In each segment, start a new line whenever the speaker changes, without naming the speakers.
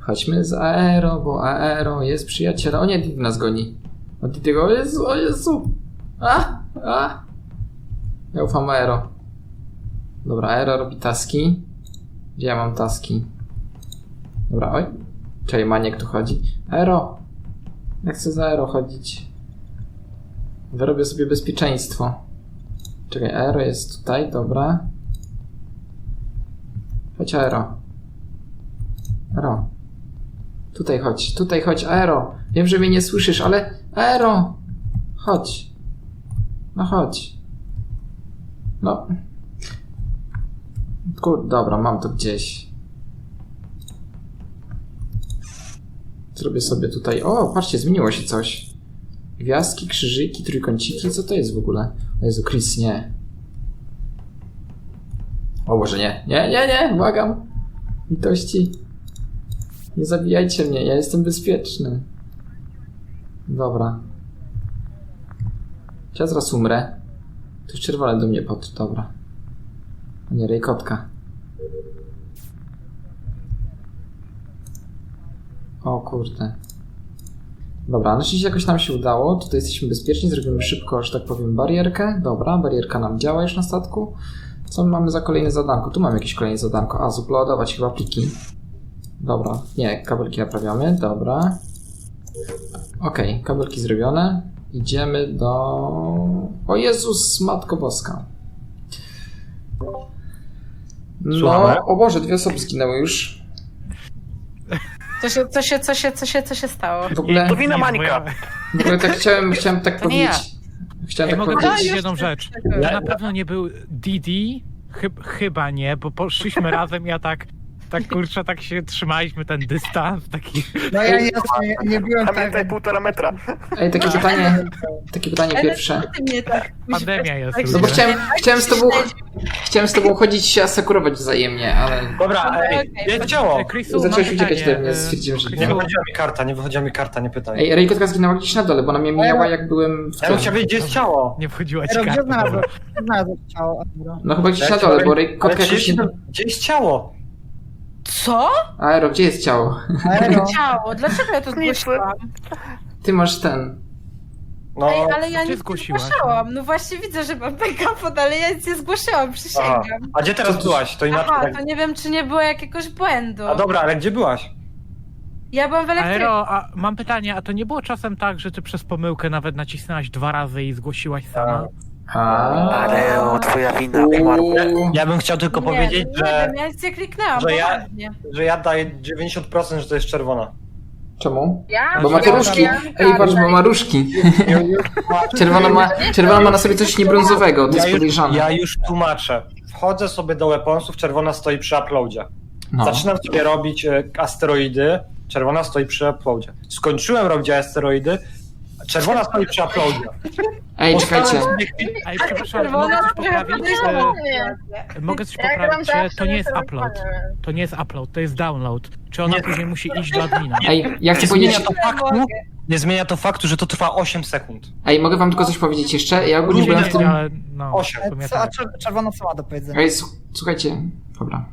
Chodźmy z Aero, bo Aero jest przyjacielem. O nie, Didi nas goni. O Didiego, o Jezu, o Jezu. Ja ufam Aero. Dobra, Aero robi taski. Gdzie ja mam taski? Dobra, oj. Czekaj, Maniek tu chodzi. Aero! Ja chcę za Aero chodzić. Wyrobię sobie bezpieczeństwo. Czekaj, Aero jest tutaj, dobra. Chodź Aero. Aero. Tutaj chodź, Aero. Wiem, że mnie nie słyszysz, ale Aero! Chodź. No chodź. No. Dobra, mam to gdzieś. Zrobię sobie tutaj... O, patrzcie, zmieniło się coś. Gwiazdki, krzyżyki, trójkąciki. Co to jest w ogóle? O Jezu, Chris, nie. O Boże, nie. Nie, błagam. Litości. Nie zabijajcie mnie, ja jestem bezpieczny. Dobra. Ja zaraz umrę. To już czerwone do mnie dobra. A nie, rejkotka. O kurde. Dobra, na szczęście jakoś nam się udało. Tutaj jesteśmy bezpieczni, zrobimy szybko, że tak powiem, barierkę. Dobra, barierka nam działa już na statku. Co my mamy za kolejne zadanko? Tu mam jakieś kolejne zadanko. A, zuploadować chyba pliki. Dobra, nie, kabelki naprawiamy, dobra. Okej, kabelki zrobione. Idziemy do... O Jezus, Matko Boska. No, o Boże, 2 osoby zginęły już.
Co się stało?
W ogóle...
To wina Mańka.
W ogóle tak chciałem tak
To nie ja.
powiedzieć. Chciałem tak
Mogę
powiedzieć.
powiedzieć jedną rzecz. To na pewno nie był Didi, chyba nie, bo poszliśmy razem, ja tak kurczę, tak się trzymaliśmy ten dystans, taki...
No ja nie byłem
Pamiętaj,
tak.
1,5 metra.
Ej, takie pytanie pierwsze.
Pandemia jest.
No bo
ludzie.
chciałem z tobą chodzić i się asekurować wzajemnie, ale...
Dobra, jest ciało.
Chrisu,
Zacząłeś
mam
uciekać
pytanie,
ode mnie, stwierdziłem, że...
Chrisu,
Nie wychodziła mi karta, nie pytaj.
Ej, Rejkotka zginęła gdzieś na dole, bo ona mnie mijała jak byłem w
Ja bym chciał wiedzieć, gdzie jest ciało.
nie wchodziła ci
Gdzie
karta.
znalazłem?
dobra.
Znalazłem ciało. Dobra.
No chyba gdzieś na dole, bo Rejkotka jakoś nie...
Gdzie jest ciało?
Co?
Aero, gdzie jest ciało?
Aero.
Ciało, dlaczego ja to zgłosiłam?
Ty masz ten...
No,
Ej, ale ja
Gdzie
nic nie
zgłosiłaś?
zgłaszałam. No właśnie widzę, że mam backup, ale ja nic nie zgłosiłam, przysięgam.
a gdzie teraz byłaś? To inaczej.
Aha, to nie wiem, czy nie było jakiegoś błędu.
A dobra, ale gdzie byłaś?
Ja byłam w elektryku.
Aero, a mam pytanie, a to nie było czasem tak, że ty przez pomyłkę nawet nacisnęłaś 2 razy i zgłosiłaś sama?
Areo, twoja wina, Ja bym chciał tylko powiedzieć,
nie
że
wiem, ja nic nie kliknęłam,
że ja-
poważnie.
ja daję 90%, że to jest czerwona.
Czemu?
Ja?
Bo ma te różki. Ej, patrz, bo ma różki. Czerwona ma na sobie coś niebrązowego, to jest podejrzane.
Ja już tłumaczę. Wchodzę sobie do weaponsów, czerwona stoi przy uploadzie.
No.
Zaczynam sobie robić asteroidy, czerwona stoi przy uploadzie. Skończyłem robić asteroidy, czerwona stoi przy uploadzie.
Ej, czekajcie.
Ej, przepraszam,
Czerwona
mogę coś poprawić? Mogę coś poprawić?
gram
To nie jest
zawsze
upload.
telefonem.
To nie jest upload, to jest download. Czy ona
Nie.
później musi iść do admina?
Ej, ja chcę
Nie
powiedzieć...
zmienia to faktu, nie zmienia to faktu, że to trwa 8 sekund.
Ej, mogę wam tylko coś powiedzieć jeszcze? Ja ogólnie
Nie
byłem w tym...
ale no,
8.
w sumie
Co, a
tak.
czerwona co ma do powiedzenia?
Ej, słuchajcie. Dobra.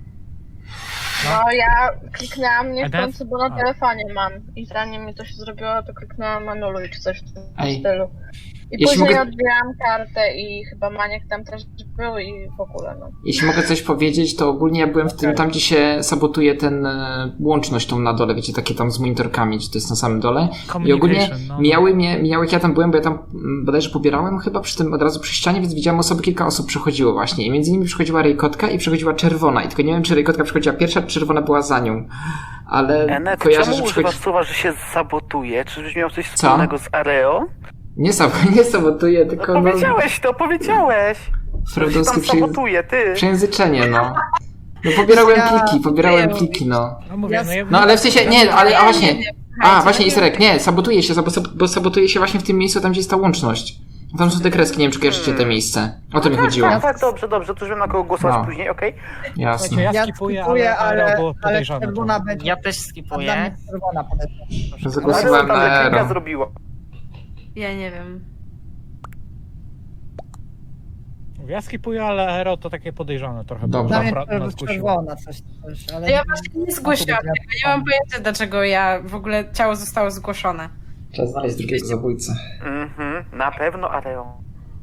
No ja kliknęłam nie
A
w
teraz-
końcu, bo na
a.
telefonie mam. I zanim mi to się zrobiło, to kliknęłam anuluj czy coś w tym
Ej.
stylu. I
Jeśli
później
mogę-
odbierałam kartę i chyba Maniek tam też był i w ogóle no.
Jeśli mogę coś powiedzieć, to ogólnie ja byłem w tym, tam gdzie się sabotuje ten łączność tą na dole, wiecie, takie tam z monitorkami, czy to jest na samym dole. I ogólnie
Communication, no.
mijały jak ja tam byłem, bo ja tam bodajże pobierałem chyba przy tym od razu przy ścianie, więc widziałem kilka osób przechodziło właśnie. I między innymi przechodziła Rejkotka i przechodziła czerwona. I tylko nie wiem, czy Rejkotka przechodziła pierwsza, czy czerwona była za nią. Ale
Enet,
kojarzę,
czemu
że
używasz
przechodzi...
słowa, że się sabotuje? Czyżbyś miał coś
Co?
wspólnego z Areo?
Nie sabotuje, tylko no...
Powiedziałeś to, powiedziałeś! Że się
Freudowskie
tam sabotuje, ty!
przejęzyczenie, no. No pobierałem pliki, no.
No mówię, no, ja
No ale w sensie, nie, ale a właśnie...
nie wiem.
A, właśnie, Iserek, nie, sabotuje się, bo sabotuje się właśnie w tym miejscu, tam gdzie jest ta łączność. Tam są te kreski, nie wiem, czy kojarzycie te miejsce. O to mi chodziło.
Tak, dobrze, to już wiem na kogo głosować
No.
później, okej?
Jasne.
Ja
Ja
skipuję,
skipuję,
ale było
ale
podejrzane.
czerwona
to.
będzie.
Ja też
Dla mnie
skipuję.
czerwona podejrzana.
Zagłosowałem na
Areo tam klika
Aero.
zrobiła.
Ja nie wiem.
Ja skipuję, ale Aero to takie podejrzane trochę.
Dobra.
Dla mnie
Nas
to był
kusiło.
czerwona coś, ale...
Ja właśnie nie zgłosiłam tego. Nie mam pojęcia, dlaczego w ogóle ciało zostało zgłoszone.
Trzeba znaleźć drugiego zabójcę.
Na pewno Areo.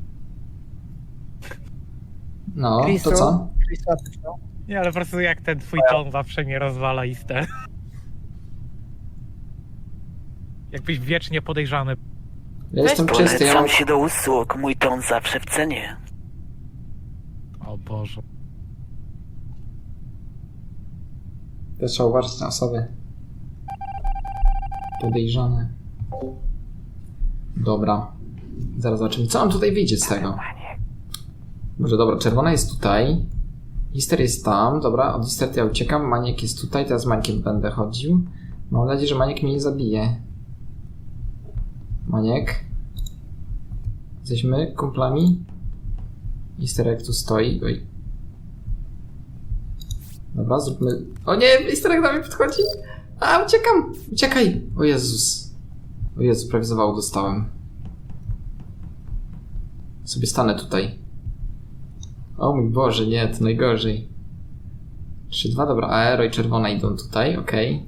No,
Chrisu?
to co?
Chrisu, a ty co?
Nie, ale po prostu jak ten twój ton zawsze mnie rozwala istę. Jakbyś wiecznie podejrzany.
Ja jestem czysty, ja mam...
się do usług, mój ton zawsze w cenie.
O Boże.
To trzeba uważać na osoby podejrzane. Dobra. Zaraz zobaczymy, co nam tutaj wyjdzie z tego. Może dobra, czerwona jest tutaj. Hister jest tam. Dobra, od Hister ja uciekam. Maniek jest tutaj, teraz z Mańkiem będę chodził. Mam nadzieję, że Maniek mnie nie zabije. Maniek? Jesteśmy kumplami? Hister jak tu stoi. Oj. Dobra, zróbmy... O nie, Hister jak do mnie podchodzi. A, uciekam! Uciekaj! O Jezus. O Jezu, prawie zawału dostałem. Sobie stanę tutaj. O mój Boże, nie, to najgorzej. 3-2, dobra, Aero i czerwona idą tutaj, okej.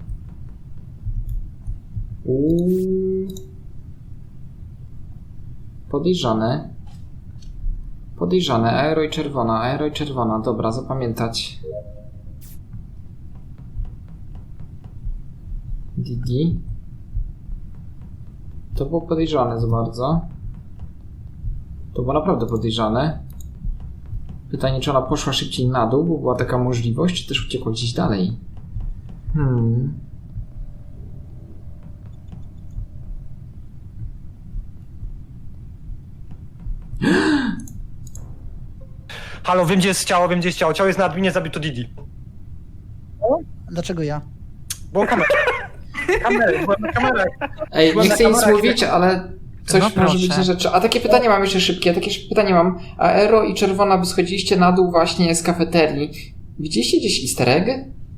Podejrzane. Podejrzane, Aero i czerwona, dobra, zapamiętać. Didi. To było podejrzane za bardzo. To było naprawdę podejrzane. Pytanie, czy ona poszła szybciej na dół, bo była taka możliwość, czy też uciekła gdzieś dalej?
Halo, wiem gdzie jest ciało, wiem gdzie jest ciało. Ciało jest na adminie, zabito Didi.
Dlaczego ja?
Było kamerę. Byłem na kamerach.
Ej,
Byłem
nie
na
chcę nic
kamerach,
mówić, ale coś
No
może być
proszę.
na rzeczy. A takie pytanie mam jeszcze szybkie, takie pytanie mam. Aero i czerwona, by schodziliście na dół właśnie z kafeterii. Widzieliście gdzieś easter egg?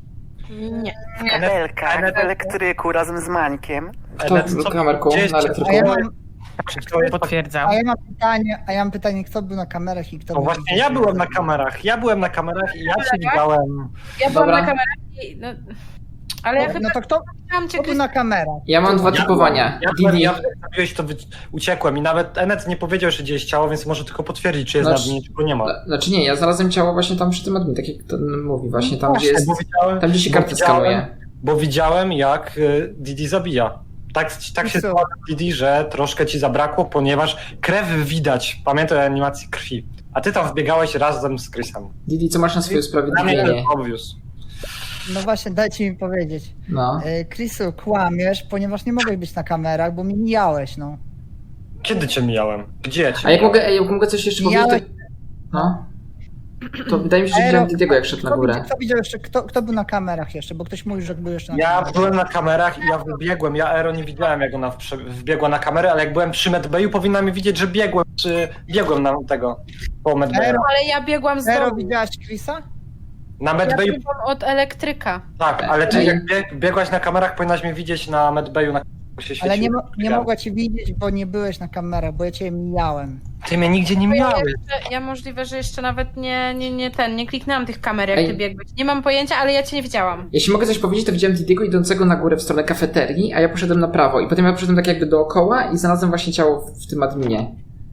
Nie.
Kabelka, w elektryku razem z Mańkiem.
Kto w kamerką
Gdzie jest
na
A
elektryku?
ja mam,
Potwierdzam.
a ja mam pytanie, kto był na kamerach i kto
No
był...
właśnie, ja byłem na kamerach. Ja byłem na kamerach i ja cię widziałem.
Ja byłam
Dobra.
na kamerach i... No, ale ja
No
chyba
to kto
chciałam cię
był na kamerach?
Ja mam dwa typowania. Didi.
Ja zabiłeś, to uciekłem i nawet Enet nie powiedział, że gdzie jest ciało, więc może tylko potwierdzić, czy jest
Znaczy-
na adminie, czy go nie ma.
Znaczy nie, ja znalazłem ciało właśnie tam przy tym admin, tak jak ten mówi, właśnie tam gdzie jest...
Bo widziałem,
Tam gdzie się
bo
kartę
widziałem-
skanuje.
Bo widziałem, jak Didi zabija. Tak się
co?
składa, Didi, że troszkę ci zabrakło, ponieważ krew widać. Pamiętaj o animacji krwi. A ty tam wbiegałeś razem z Chrisem.
Didi, co masz na swoje
Dla mnie to
usprawiedliwienie?
jest obvious.
No właśnie, dajcie mi powiedzieć.
No.
Chrisu, kłamiesz, ponieważ nie mogłeś być na kamerach, bo mi mijałeś, no.
Kiedy cię mijałem? Gdzie ja cię
A jak
mijałem?
mogę, coś jeszcze
Mijałeś-
powiedzieć, to... No. To wydaje mi się, że
Aero,
widziałem Didiego jak szedł na górę.
Kto widział jeszcze, kto był na kamerach jeszcze, bo ktoś mówił, że był jeszcze na
Ja
kamerach.
byłem na kamerach i ja wybiegłem. Ja Aero nie widziałem, jak ona wbiegła na kamerę, ale jak byłem przy medbayu, powinna mi widzieć, że biegłem na tego po medbayu.
Aero,
Ale ja biegłam z
Aero,
domu.
widziałaś Chrisa?
Na
Ja
medbayu,
biegłam od elektryka.
tak, ale ty
Ej.
jak biegłaś na kamerach, powinnaś mnie widzieć na medbayu, na się świeciło.
Ale nie mogła cię widzieć, bo nie byłeś na kamerach, bo ja cię mijałem.
Ty mnie nigdzie nie mijałeś.
Ja możliwe, że jeszcze nawet nie kliknęłam tych kamer, jak
Ej.
ty biegłeś. Nie mam pojęcia, ale ja cię nie widziałam.
Jeśli mogę coś powiedzieć, to widziałem Didiego idącego na górę w stronę kafeterii, a ja poszedłem na prawo. I potem ja poszedłem tak jakby dookoła i znalazłem właśnie ciało w tym adminie.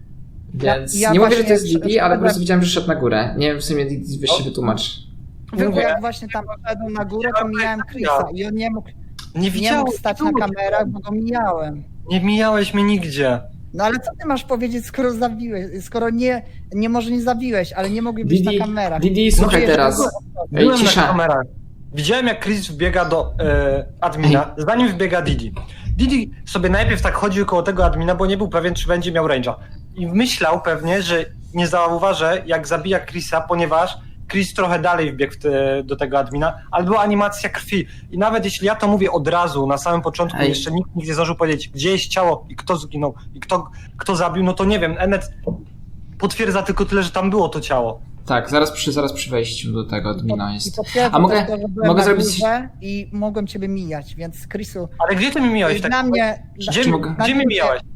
Więc
Ja
nie mówię, że
właśnie
to jest Didi, ale po prostu
szedłem-
widziałem, że szedł na górę. Nie wiem, w sumie Didi, weź się wytłumacz.
Bo jak właśnie tam szedłem na górę, to mijałem Chrisa i on nie mógł
Nie widziałem.
stać na kamerach, bo go mijałem.
Nie mijałeś mnie nigdzie.
No ale co ty masz powiedzieć, skoro zabiłeś, skoro nie może nie zabiłeś, ale nie mogli być
Didi,
na kamerach.
Didi, słuchaj
Mówię, że
teraz.
było-
Ej,
Byłem na
cisza.
kamerach. Widziałem, jak Chris wbiega do admina, zanim wbiega Didi. Didi sobie najpierw tak chodził koło tego admina, bo nie był pewien, czy będzie miał range'a. I myślał pewnie, że nie zauważę, jak zabija Chrisa, ponieważ Chris trochę dalej wbiegł do tego admina, ale była animacja krwi. I nawet jeśli ja to mówię od razu, na samym początku,
Ej.
jeszcze nikt nie zdążył powiedzieć, gdzie jest ciało i kto zginął i kto zabił, no to nie wiem, Enet potwierdza tylko tyle, że tam było to ciało.
Tak, zaraz przy wejściu do tego admina
I
jest.
potwierdzam
A mogę-
też to, że byłem
mogę
na
zrobić-
górze i mogłem ciebie mijać, więc Chrisu,
Ale gdzie ty mi mijałeś tak?
dla mnie...
Gdzie
mogę-
mnie mijałeś?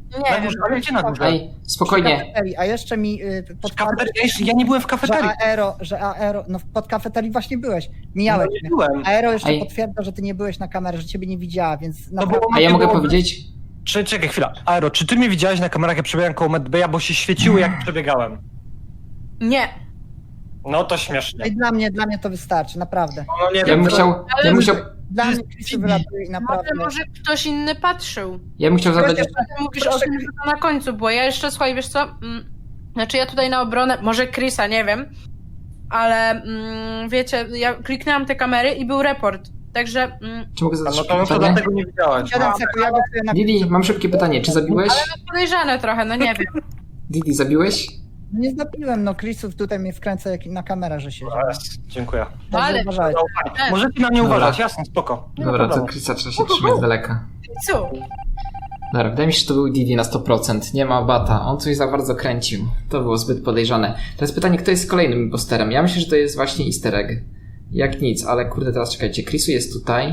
Nie
Na
wiem.
górze, ale gdzie na górze?
Ej, spokojnie.
Kafeterii, a jeszcze mi
W
podkładał,
kafeterii? Ja nie byłem w kafeterii.
że Aero, no pod kafeterii właśnie byłeś.
No,
Mijałeś
nie
mnie.
byłem.
Aero jeszcze
Ej.
potwierdza, że ty nie byłeś na kamerze, że ciebie nie widziała, więc
No
naprawdę...
bo
A ja mogę
było-
powiedzieć?
Czekaj chwila. Aero, czy ty mnie widziałeś na kamerach, jak przebiegałem koło Medbaya, bo się świeciły, jak przebiegałem?
Nie.
No to śmiesznie.
Ej, dla mnie to wystarczy, naprawdę.
No nie
Ja
wiem,
bym chciał
Dla mnie Chrisu wylatuje i naprawdę...
Może ktoś inny patrzył.
ja bym chciał zadać...
Ty mówisz o tym, że to na końcu było. Ja jeszcze, słuchaj, wiesz co? Znaczy ja tutaj na obronę, może Chrisa, nie wiem, ale wiecie, ja kliknęłam te kamery i był report. Także
Czy mogę
No
zadać
to
szybkie
może
pytanie?
dlatego nie widziałeś.
7 sekund, ja głosuję na
Didi, mam szybkie pytanie. Czy zabiłeś?
podejrzane trochę, no nie wiem.
Didi, zabiłeś?
Nie zabiłem, no Chrisów tutaj mnie wkręca jak na kamerę, że się...
Dziękuję.
No ale
uważajcie.
Możecie na mnie
Dobra.
uważać, jasne, spoko. Nie ma
Dobra, to
problemu.
Chrisa trzeba się trzymać z daleka.
co?
Dobra, wydaje mi się, że to był Didi na 100%. Nie ma bata. On coś za bardzo kręcił. To było zbyt podejrzane. Teraz pytanie, kto jest kolejnym imposterem? Ja myślę, że to jest właśnie easter egg. Jak nic, ale kurde, teraz czekajcie. Chrisu jest tutaj.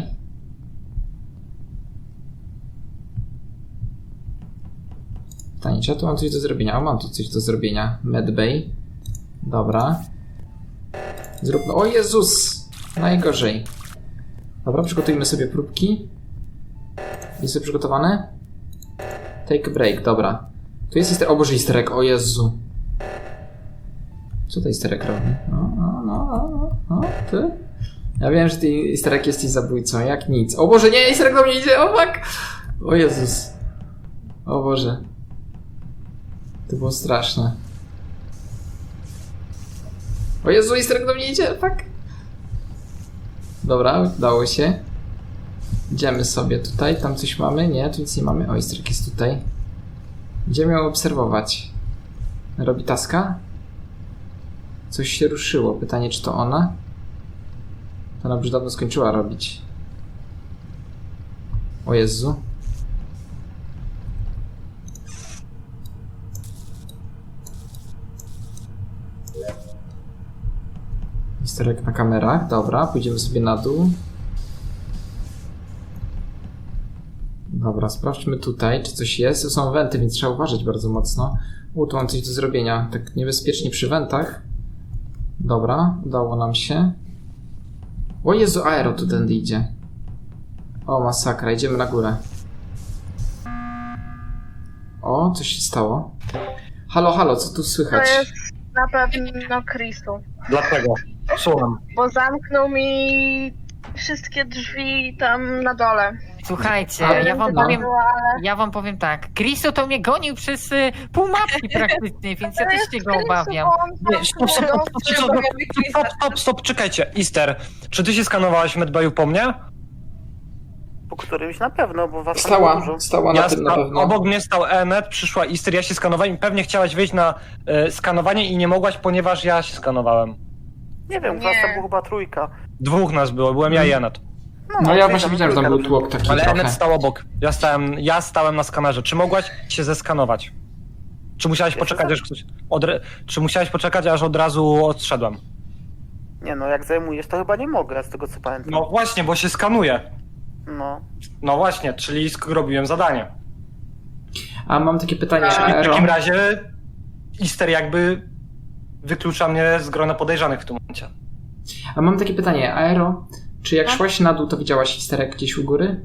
Pytanie, czy ja tu mam coś do zrobienia? O, mam tu coś do zrobienia. Medbay. Dobra. Zróbmy... O Jezus! Najgorzej. Dobra, przygotujmy sobie próbki. Jest przygotowane? Take a break, dobra. Tu jest easter... O Boże, easter egg, o Jezu. Co to easter egg robi? No, ty? Ja wiem, że ty easter egg jesteś zabójcą, jak nic. O Boże, nie, easter egg do mnie idzie, o fuck! O Jezus. O Boże. To było straszne. O Jezu, easter egg do mnie idzie, fuck! Dobra, udało się. Idziemy sobie tutaj, tam coś mamy? Nie, tu nic nie mamy. O, easter egg jest tutaj. Będziemy ją obserwować. Robi taska? Coś się ruszyło. Pytanie, czy to ona? To ona już dawno skończyła robić. O Jezu. Easter egg na kamerach. Dobra, pójdziemy sobie na dół. Dobra, sprawdźmy tutaj, czy coś jest. To są wenty, więc trzeba uważać bardzo mocno. Tu mam coś do zrobienia. Tak niebezpiecznie przy wentach. Dobra, udało nam się. O Jezu, Aero tu tędy idzie. O, masakra, idziemy na górę. O, coś się stało. Halo, halo, co tu
To
słychać?
jest na pewno Chrisu,
Dlaczego? Słucham.
bo zamknął mi wszystkie drzwi tam na dole.
Słuchajcie,
Ale-
ja wam powiem tak. Chrisu to mnie gonił przez pół mapki praktycznie, więc ja
To
też
jest
się go
Chrisu,
obawiam.
bo on
Nie, stop, czekajcie. Easter, czy ty się skanowałeś w Medbayu po mnie?
Po którymś na pewno, bo was tam było dużo.
Stała na tym na pewno.
Obok mnie stał Emmet, przyszła Easter, ja się skanowałem i pewnie chciałaś wyjść na skanowanie i nie mogłaś, ponieważ ja się skanowałem.
Nie wiem,
Nie.
was tam było chyba trójka.
Dwóch nas było, byłem ja i Emmet.
No ja
trójka,
właśnie widziałem, że tam był
trójka.
tłok taki
Ale
trochę.
Emmet stał obok. Ja stałem na skanerze. Czy mogłaś się zeskanować? Czy musiałeś poczekać, aż ktoś... Czy musiałeś poczekać, aż od razu odszedłem?
Nie no, jak zajmujesz, to chyba nie mogę, z tego co pamiętam.
No właśnie, bo się skanuje.
No.
No właśnie, czyli robiłem zadanie.
A mam takie pytanie,
Czyli w
Aero.
takim razie Easter jakby wyklucza mnie z grona podejrzanych w tym momencie.
A mam takie pytanie, Aero. Czy jak szłaś na dół, to widziałaś easter egg gdzieś u góry?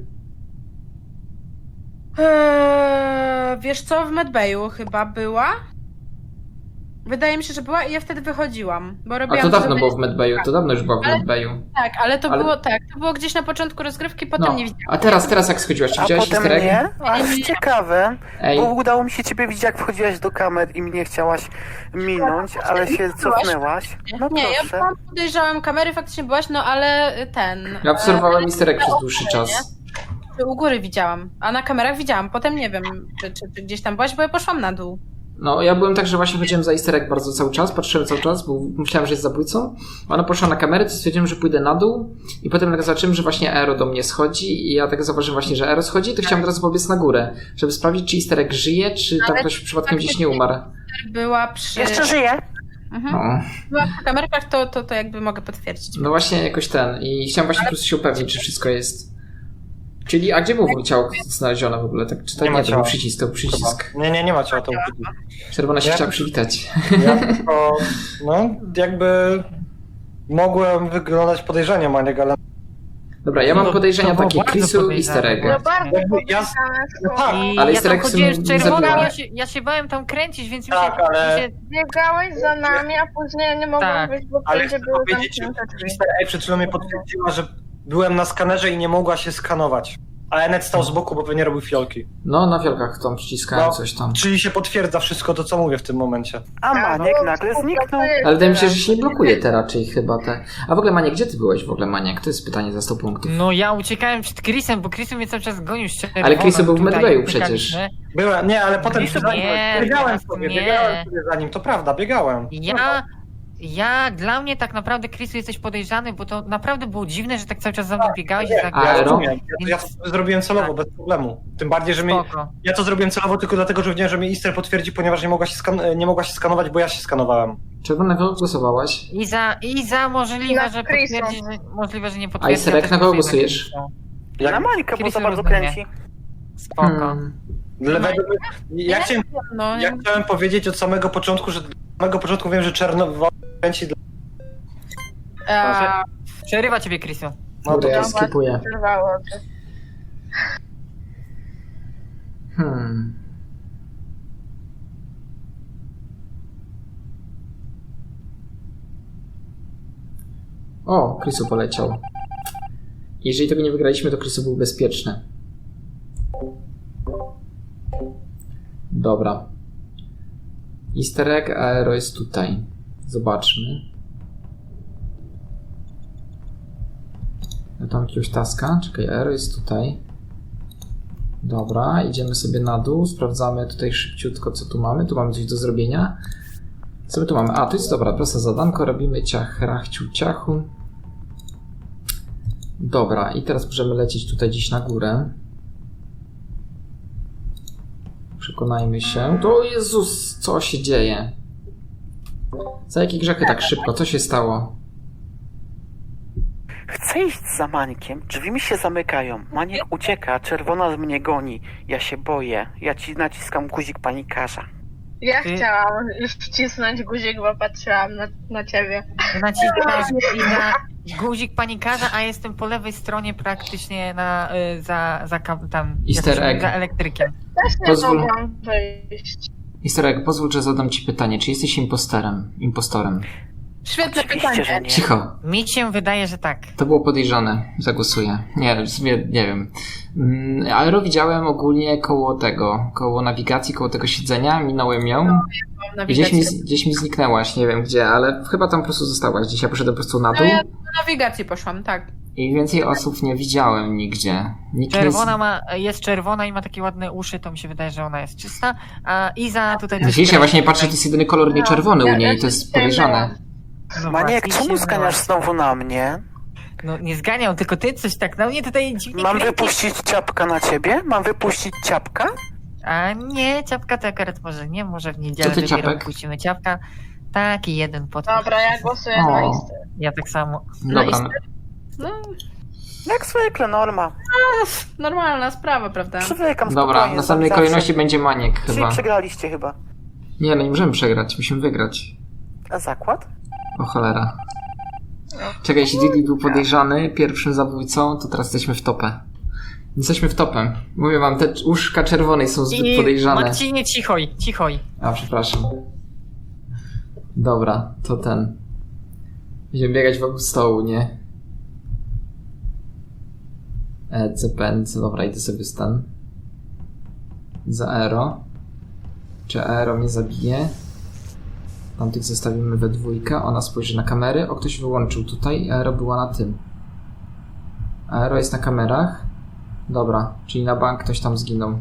Wiesz co, w Medbayu chyba była? Wydaje mi się, że była i ja wtedy wychodziłam, bo
A
robiłam...
to dawno
zadanie-
było w Medbayu, to dawno już była w
Ale-
Medbayu.
Tak, ale to
Ale-
było tak, to było gdzieś na początku rozgrywki, potem
No,
nie widziałam.
a teraz jak schodziłaś, czy
A
widziałaś
potem
easter egg?
nie? Aż ciekawe,
Ej,
bo udało mi się ciebie widzieć, jak wchodziłaś do kamer i mnie chciałaś minąć, ale się cofnęłaś. No
Nie, ja
proszę.
byłam, podejrzałam kamery, faktycznie byłaś, no ale ten...
ja obserwowałem easter egg przez dłuższy czas.
U góry widziałam, a na kamerach widziałam, potem nie wiem, czy gdzieś tam byłaś, bo ja poszłam na dół.
No, ja byłem tak, że właśnie chodziłem za easter egg bardzo cały czas, patrzyłem cały czas, bo myślałem, że jest zabójcą. Ona poszła na kamerę, to stwierdziłem, że pójdę na dół i potem jak zobaczyłem, że właśnie Aero do mnie schodzi i ja tak zauważyłem właśnie, że Aero schodzi, to chciałem od razu pobiec na górę, żeby sprawdzić, czy easter egg żyje, czy tam
Ale
ktoś przypadkiem gdzieś nie umarł.
Była przy...
Jeszcze żyję?
Mhm.
No,
Była przy kamerkach, to jakby mogę potwierdzić.
no właśnie jakoś ten i chciałem właśnie po prostu się upewnić, czy wszystko jest... Czyli, a gdzie było ciało znalezione w ogóle? Tak, czy tak
Nie ma
nie, to był
ciała.
przycisk, to był przycisk.
Nie ma ciała, to
Czerwona się
Ja-
chciała przywitać.
ja tylko, no jakby mogłem wyglądać podejrzanie, Maniek, ale
Dobra, ja mam
To-
podejrzenia
to było
takie
bardzo
Chrisu i
podejrzane,
Easter
No
egg.
bardzo
Jakby ja-
podejrzane
no
są.
tak,
I
Ale
ja tam
Easter egg
chodziłem
nie
z czerwoną,
zabiła.
ja się bałem tam kręcić, więc mi
Tak,
się...
ale-
mi się
Biegałeś za nami, a później nie mogłam
Tak.
wyjść, bo
ale
wszędzie
chcę
były
powiedzieć, że
zamknięte drzwi.
Easter egg przed chwilą mnie potwierdziła, że byłem na skanerze i nie mogła się skanować. A Enet stał z boku, bo pewnie robił fiolki.
No, na fiolkach tam przyciskałem
No.
coś tam.
Czyli się potwierdza wszystko to, co mówię w tym momencie.
A Maniek nagle zniknął.
Ale wydaje mi się, że się nie blokuje te raczej chyba te. A w ogóle Maniek, gdzie ty byłeś w ogóle, Maniek? To jest pytanie za 100 punktów.
No ja uciekałem przed Chrisem, bo Chris mnie cały czas gonił z czerwoną.
Ale Chris był w
tutaj
Medbayu
uciekaliśmy.
przecież.
Byłem, nie, ale potem
Nie,
biegałem
teraz
sobie,
nie.
biegałem sobie za nim, to prawda, biegałem.
Dla mnie tak naprawdę, Chrisu, jesteś podejrzany, bo to naprawdę było dziwne, że tak cały czas za mną biegałeś i tak...
A
Ja
Aero?
rozumiem, ja to zrobiłem celowo, bez problemu. Tym bardziej, że
Spoko.
ja to zrobiłem celowo tylko dlatego, że wiedziałem, że mnie Easter potwierdzi, ponieważ nie mogła się skanować, bo ja się skanowałem.
Czerwona, kogo głosowałaś?
I za możliwe,
Na
że
Chrisa.
potwierdzi, że możliwe, że nie
A
potwierdzi.
Easter egg
ja też
na kogo
głosuję
głosujesz?
Chrisa.
Na Mańkę, bo
Chrisu
za bardzo
rozumie.
kręci.
Spoko.
Według mnie-
No,
ja chciałem powiedzieć od samego początku, że od samego początku wiem, że Czernowo kręci dla...
Przerywa ciebie, Chrisu.
No
Kurde,
to
ja skipuję.
Przerwało.
O, Chrisu poleciał. Jeżeli tego nie wygraliśmy, to Chrisu był bezpieczny. Dobra. Easter egg, Aero jest tutaj. Zobaczmy. Ja tam jakiegoś taska. Czekaj, Aero jest tutaj. Dobra, idziemy sobie na dół. Sprawdzamy tutaj szybciutko, co tu mamy. Tu mamy coś do zrobienia. Co my tu mamy? A, to jest dobra, proste zadanko. Robimy ciach, rachciu, ciachu. Dobra, i teraz możemy lecieć tutaj gdzieś na górę. Przekonajmy się. To Jezus, co się dzieje? Za jakie grzechy tak szybko? Co się stało?
Chcę iść za Mańkiem, drzwi mi się zamykają. Maniek ucieka, czerwona mnie goni. Ja się boję. Ja ci naciskam guzik panikarza.
Ja
Ty-
chciałam już wcisnąć guzik, bo patrzyłam na ciebie.
Naciskasz guzik panikarza, a jestem po lewej stronie praktycznie tam
Easter egg.
za elektrykiem.
Też nie
Pozwól.
mogłam wyjść.
Easter egg, pozwól, że zadam ci pytanie. Czy jesteś impostorem?
świetne
Oczywiście,
pytanie.
że nie.
Cicho.
Mi się wydaje, że tak.
To było podejrzane. Zagłosuję. Nie, w sumie nie wiem. Aero widziałem ogólnie koło nawigacji, koło tego siedzenia. Minąłem ją. I gdzieś mi zniknęłaś, nie wiem gdzie, ale chyba tam po prostu zostałaś. Gdzieś ja poszedłem po prostu na
No
dół.
ja na nawigacji poszłam, tak.
I więcej osób nie widziałem nigdzie. Nikt
Jest czerwona i ma takie ładne uszy, to mi się wydaje, że ona jest czysta. A Iza tutaj też...
Widzisz, ja właśnie patrzę, to jest jedyny kolor nie czerwony u niej, to jest podejrzane.
No
Maniek,
właśnie,
czemu
się
zganiasz znowu na mnie?
No nie zganiał, tylko ty coś tak na mnie tutaj dziwnie
Mam
kręcisz.
wypuścić ciapka na ciebie? Mam wypuścić ciapka?
A nie, ciapka to akurat może w niedzielę
Co ty,
dopiero
ciapek?
puścimy ciapka. Taki jeden podpis.
Dobra, ja głosuję na
O.
Easter.
Ja tak samo.
Dobra, no.
No,
Jak zwykle, norma.
normalna sprawa, prawda?
Przywykam
Dobra,
spokojnie,
w następnej
zawsze.
kolejności będzie Maniek
Czyli
chyba.
przegraliście chyba.
Nie, no nie możemy przegrać, musimy wygrać.
A zakład?
O cholera. Czekaj, jeśli Didi był podejrzany pierwszym zabójcą, to teraz jesteśmy w topę. Jesteśmy w topę. Mówię wam, te uszka czerwonej są zbyt podejrzane.
Marcinie, cichoj.
A, przepraszam. Dobra, to ten. Będziemy biegać wokół stołu, nie? CPNC, dobra, idę sobie stan. Za Aero. Czy Aero mnie zabije? Tamtych zostawimy we dwójkę. Ona spojrzy na kamery. O, ktoś wyłączył tutaj i Aero była na tym. Aero jest na kamerach. Dobra, czyli na bank ktoś tam zginął.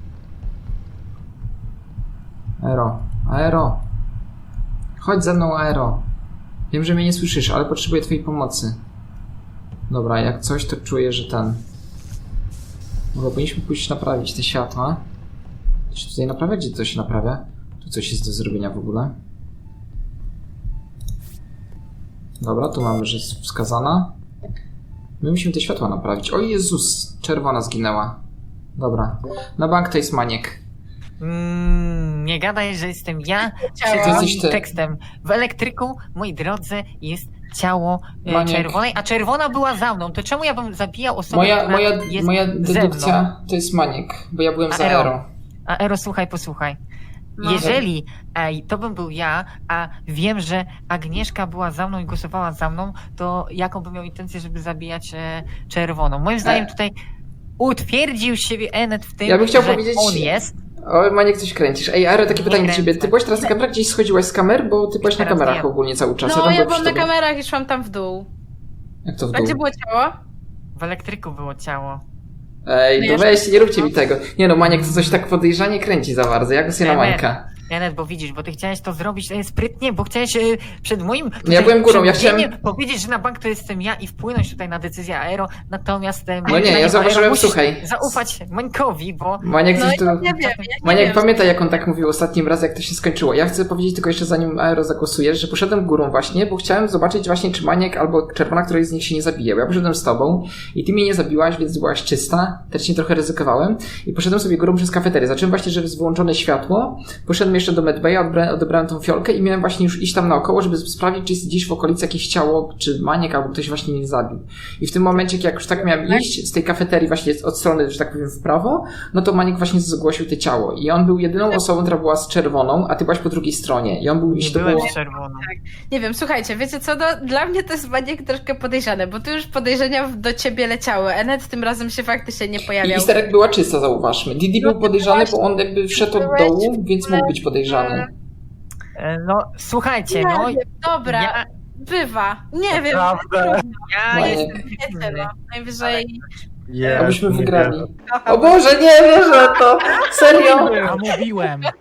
Aero. Chodź ze mną, Aero. Wiem, że mnie nie słyszysz, ale potrzebuję twojej pomocy. Dobra, jak coś, to czuję, że ten... Może powinniśmy pójść naprawić te światła. To się tutaj naprawia? Gdzie to się naprawia? Tu coś jest do zrobienia w ogóle. Dobra, tu mamy, że jest wskazana. My musimy te światła naprawić. O Jezus, czerwona zginęła. Dobra. Na bank to jest Maniek.
Nie gadaj, że jestem ja
Ciało.
przed
Jesteś
moim
ty.
tekstem. W elektryku, moi drodzy, jest ciało
Maniek.
czerwonej, a czerwona była za mną. To czemu ja bym zabijał osobę, która jest
Moja
ze mną?
dedukcja to jest Maniek, bo ja byłem za
Aero.
Aero.
A Ero, słuchaj, posłuchaj.
No.
Jeżeli to bym był ja, a wiem, że Agnieszka była za mną i głosowała za mną, to jaką bym miał intencję, żeby zabijać czerwoną? Moim zdaniem tutaj utwierdził siebie Enet w tym,
Ja bym chciał
że
powiedzieć-
on jest.
O, Maniek, coś kręcisz. Ej, Aero, takie
Nie
pytanie do ciebie.
kręcę.
Ty byłeś teraz na kamerach, gdzieś schodziłaś z kamer? Bo ty byłeś na
Teraz
kamerach
nie.
ogólnie cały czas.
No,
tam
ja
byłem
byłam
przy
na
tobie.
kamerach i szłam tam w dół.
Jak to w
A
dół?
gdzie było ciało?
W elektryku było ciało.
Ej,
No
to
ja
weźcie, nie róbcie mi tego. Nie no, Maniek to coś tak podejrzanie kręci za bardzo. Ja głosuję na
Emet.
Mańka.
Enet, bo widzisz, bo ty chciałeś to zrobić sprytnie, bo chciałeś przed moim...
No ja byłem górą, ja chciałem-
powiedzieć, że na bank to jestem ja i wpłynąć tutaj na decyzję Aero, natomiast...
No nie, ja zauważyłem,
musisz
słuchaj.
zaufać Mańkowi, bo...
Maniek
No
coś
ja
tu...
nie wiem, ja nie
Maniek,
wiem.
pamiętaj jak on tak mówił ostatnim razem, jak to się skończyło. Ja chcę powiedzieć tylko jeszcze zanim Aero zagłosujesz, że poszedłem górą właśnie, bo chciałem zobaczyć właśnie, czy Maniek albo Czerwona, której z nich się nie zabije. Bo ja poszedłem z tobą i ty mnie nie zabiłaś, więc byłaś czysta. Też nie trochę ryzykowałem. I poszedłem sobie górą przez kafeterię. Zacząłem właśnie, że jest wyłączone światło. Poszedłem jeszcze do Medbaya, odebrałem tą fiolkę i miałem właśnie już iść tam naokoło, żeby sprawdzić, czy jest gdzieś w okolicy jakieś ciało, czy Maniek albo ktoś właśnie mnie zabił. I w tym momencie, jak już tak miałem iść z tej kafeterii właśnie od strony, że tak powiem, w prawo, no to Maniek właśnie zgłosił to ciało. I on był jedyną osobą, która była z czerwoną, a ty byłaś po drugiej stronie. I on był,
Nie
jeśli to
byłem
było...
z czerwoną.
Nie wiem, słuchajcie, wiecie co, dla mnie to jest Maniek troszkę podejrzane, bo tu już podejrzenia do ciebie leciały. Enet tym razem się faktycznie nie
I
pojawiał.
Isterek była czysta, zauważmy. Didi był
No,
podejrzany,
właśnie.
bo on jakby wszedł od dołu, więc mógł być podejrzany.
No, słuchajcie, no...
Nie wiem, dobra,
Ja,
bywa. Nie wiem,
Naprawdę.
ja
Maniek.
jestem
wiecie,
pewny.
no. Najwyżej...
Jezu,
Abyśmy
nie
wygrali.
wierzę.
O Boże, nie wierzę to! Serio?
A mówiłem.